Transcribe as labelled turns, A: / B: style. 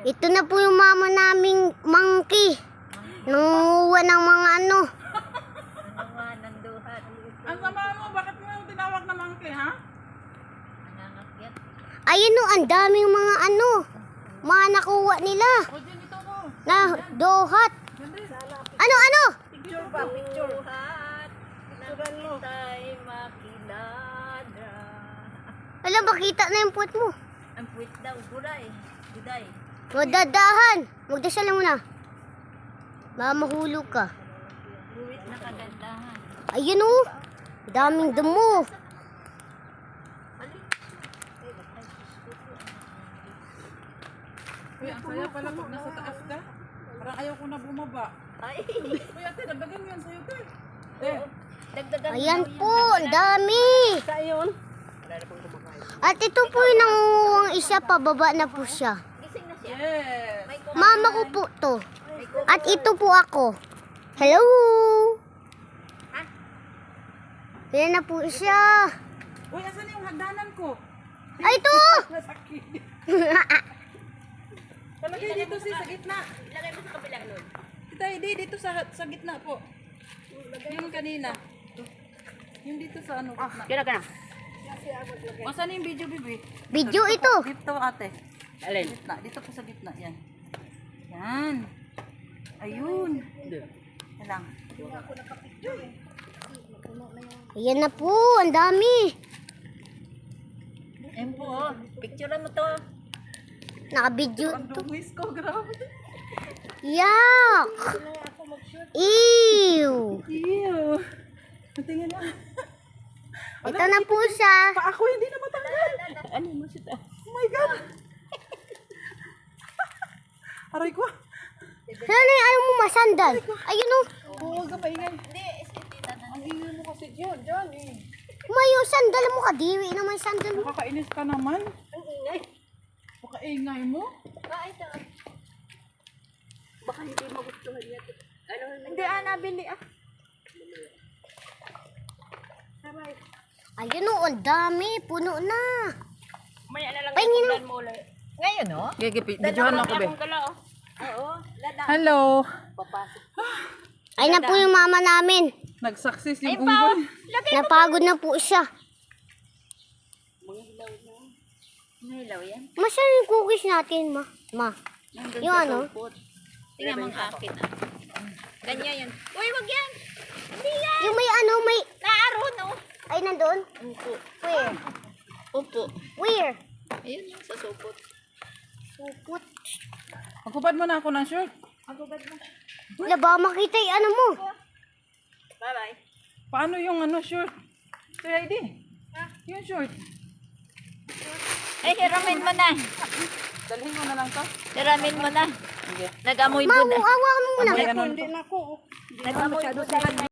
A: Ito na po yung mama naming monkey. Nangunguha ng mga ano.
B: Nanduhat.
C: Ang sama mo, bakit mo yung tinawag na monkey, ha?
B: Nangangakyat.
A: Ayun o, ang daming mga ano. Mga nakuha nila.
C: O, dyan, ito ko.
A: Na dohat. Ano?
C: Picture pa, picture.
B: Duhat.
C: Picturean mo.
B: Tayo makilala.
A: Alam, bakita na yung puwet mo.
B: Ang puwit daw, guray. Guday.
A: Madadahan. Magdasal lang muna. Baka mahulog ka.
B: Puwit na kagandahan.
A: Ayun o. Daming damo.
C: Uy, ang saya pala pag nasa taas ka. Parang ayaw ko na bumaba.
B: Ay.
C: Uy, ate, dagdagan mo yan sa'yo, te. Eh,
B: Dagdagan
A: Ayan
B: daw
A: po,
B: yan.
A: ang dami.
C: sa yun.
A: At ito po yung nangunguhang isa, pababa na po siya.
B: Gising na siya.
C: Yes.
B: May kumain.
A: Mama ko po to.
B: May kumain.
A: At ito po ako. Hello! Yan na po siya.
C: Uy, asan yung hagdanan ko?
A: Ay, ito!
C: Nasakit. Palagay dito sa gitna.
B: Ilagay mo sa kabila nun.
C: Kita, hindi, dito sa gitna po. Yung kanina. Yung dito sa ano, gitna.
B: Kira ka na.
C: Asan yung video, bibi?
A: Video ito.
C: Dito, ate.
B: Alin?
C: Gitna, dito po sa gitna, yan. Yan. Ayun. Yan lang.
A: Ayan na po, ang dami.
B: Ayun po, oh. Picturean mo to.
A: Naka-video
C: Ang
A: ito.
C: dungis ko, grabe.
A: Yuck! Ew!
C: Ew. Tingnan na.
A: Ito na po siya.
C: Pa ako hindi na matanggal.
B: Ano mo siya?
C: Oh my God. Aray ko.
A: Sana yung ayaw mo masandal. Ayun o.
C: Huwag ka paingay.
B: Hindi, isipita na.
C: Ang ingay mo kasi dyan eh.
A: Mayo, sandal mo ka. Diwi naman yung sandal mo.
C: Nakakainis ka naman.
B: Ang ingay.
C: Pakaingay mo.
B: Ito. Baka hindi magustuhan niya. Ano?
C: Hindi nabili ah.
A: Ayun o, ang dami. Puno na.
B: Maya na lang
A: Pahingin
B: yung ulan mo ulit. Ngayon, no?
C: Gigi, videohan ako be.
B: Oo. Lada.
C: Hello.
B: Papasok.
A: Ay na po yung mama namin.
C: Nag-success yung unggoy.
A: Napagod na po siya.
B: Nilaw yan.
A: Masarap yung cookies natin, ma. Ma.
B: Nandun
A: Yung
B: sa
A: ano?
B: supot. Tingnan mo ang akin, ah. Ganyan yan. Uy, wag yan. Hindi yan.
A: Yung may ano, may...
B: Naaro, no?
A: Ay, nandun?
B: Upo.
A: Where?
B: Upo.
A: Where?
B: Ayun yung sa supot.
A: Supot.
C: Magkupad mo na ako ng shirt.
A: Wala ba makita yung ano mo?
B: Bye-bye.
C: Paano yung ano shirt? Kaya ID. Yung shirt.
B: Ay, hiramin mo na.
C: Dalhin mo na lang to.
B: Hiramin mo na.
C: Sige.
B: Nag-amoy
A: Ma,
B: mo na.
A: awa mo muna.
C: May ano
B: Nag-amoy mo na.